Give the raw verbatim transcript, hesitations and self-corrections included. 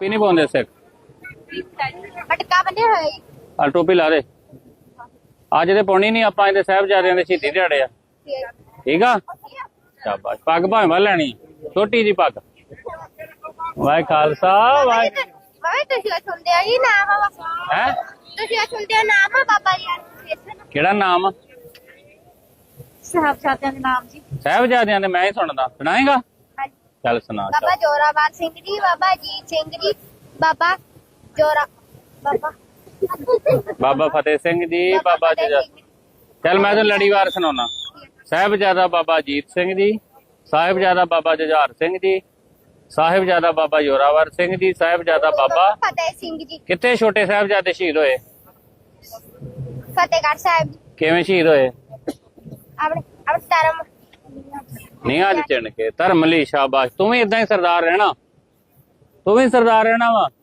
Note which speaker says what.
Speaker 1: ਟੋਪੀ ਨਹੀਂ ਪਾਉਂਦੇ ਸਿੱਖ
Speaker 2: ਪਟਕਾ ਬੰਨਿਆ ਹੋਇਆ ਜੀ।
Speaker 1: ਆ ਟੋਪੀ ਲਾ ਦੇ ਅੱਜ ਤੇ ਪਾਉਣੀ ਨਹੀਂ ਆਪਾਂ ਇਹਦੇ ਸਾਹਿਬਜ਼ਾਦਿਆਂ ਦੇ ਸ਼ਹੀਦੀ ਦਿਹਾੜੇ ਆ ਠੀਕ ਆ ਸ਼ਾਬਾਸ਼ ਪੱਗ ਭਾਵੇਂ ਵਾ ਲੈਣੀ ਛੋਟੀ ਜੀ ਪੱਗ ਵਾਹਿ ਖਾਲਸਾ ਵਾਹਿ
Speaker 2: ਬਾਬਾ ਤੁਸੀਂ ਸੁਣਦੇ ਹੋ ਜੀ ਨਾਮ ਆ
Speaker 1: ਹੈ
Speaker 2: ਤੁਸੀਂ ਸੁਣਦੇ ਹੋ ਨਾਮ ਆ ਬਾਬਾ ਜੀ
Speaker 1: ਕਿਹੜਾ ਨਾਮ
Speaker 2: ਸਾਹਿਬਜ਼ਾਦਿਆਂ ਦੇ ਨਾਮ ਜੀ।
Speaker 1: ਸਾਹਿਬਜ਼ਾਦਿਆਂ ਦੇ ਮੈਂ ਹੀ ਸੁਣਦਾ ਸੁਣਾਏਗਾ
Speaker 2: ਹਾਂਜੀ।
Speaker 1: ਚੱਲ ਸੁਣਾ
Speaker 2: ਬਾਬਾ ਜੋਰਾਵਰ ਸਿੰਘ ਜੀ, ਬਾਬਾ ਅਜੀਤ ਸਿੰਘ ਜੀ, ਬਾਬਾ ਜੋਰਾ ਬਾਬਾ
Speaker 1: ਬਾਬਾ ਫਤਿਹ ਸਿੰਘ ਜੀ ਬਾਬਾ
Speaker 2: ਫਤਿਹ
Speaker 1: ਜੁਝਾਰ
Speaker 2: ਸਿੰਘ ਜੀ।
Speaker 1: ਚੱਲ ਮੈਂ ਤਾਂ ਲੜੀਵਾਰ ਸੁਣਾਉਣਾ ਸਾਹਿਬਜ਼ਾਦਾ ਬਾਬਾ ਅਜੀਤ ਸਿੰਘ ਜੀ ਸਾਹਿਬਜ਼ਾਦਾ ਬਾਬਾ ਜੁਝਾਰ ਸਿੰਘ ਜੀ ਸਾਹਿਬਜ਼ਾਦਾ ਬਾਬਾ ਜੋਰਾਵਰ ਸਿੰਘ ਜੀ ਸਾਹਿਬਜ਼ਾਦਾ ਬਾਬਾ
Speaker 2: ਫਤਿਹ ਸਿੰਘ ਜੀ,
Speaker 1: ਕਿੱਥੇ ਛੋਟੇ ਸਾਹਿਬਜ਼ਾਦੇ ਸ਼ਹੀਦ ਹੋਏ
Speaker 2: ਫਤਿਹਗੜ੍ਹ ਸਾਹਿਬ ਜੀ।
Speaker 1: ਕਿਵੇਂ ਸ਼ਹੀਦ ਹੋਏ
Speaker 2: ਆਪਣੇ ਆਪਣੇ ਧਰਮ
Speaker 1: ਨੀਹਾਂ 'ਚ ਚਿਣ ਕੇ ਧਰਮ ਲਈ ਸ਼ਾਬਾਸ਼ ਤੂੰ ਵੀ ਇਦਾਂ ਹੀ ਸਰਦਾਰ ਰਹਿਣਾ ਤੂੰ ਵੀ ਸਰਦਾਰ ਰਹਿਣਾ ਵਾ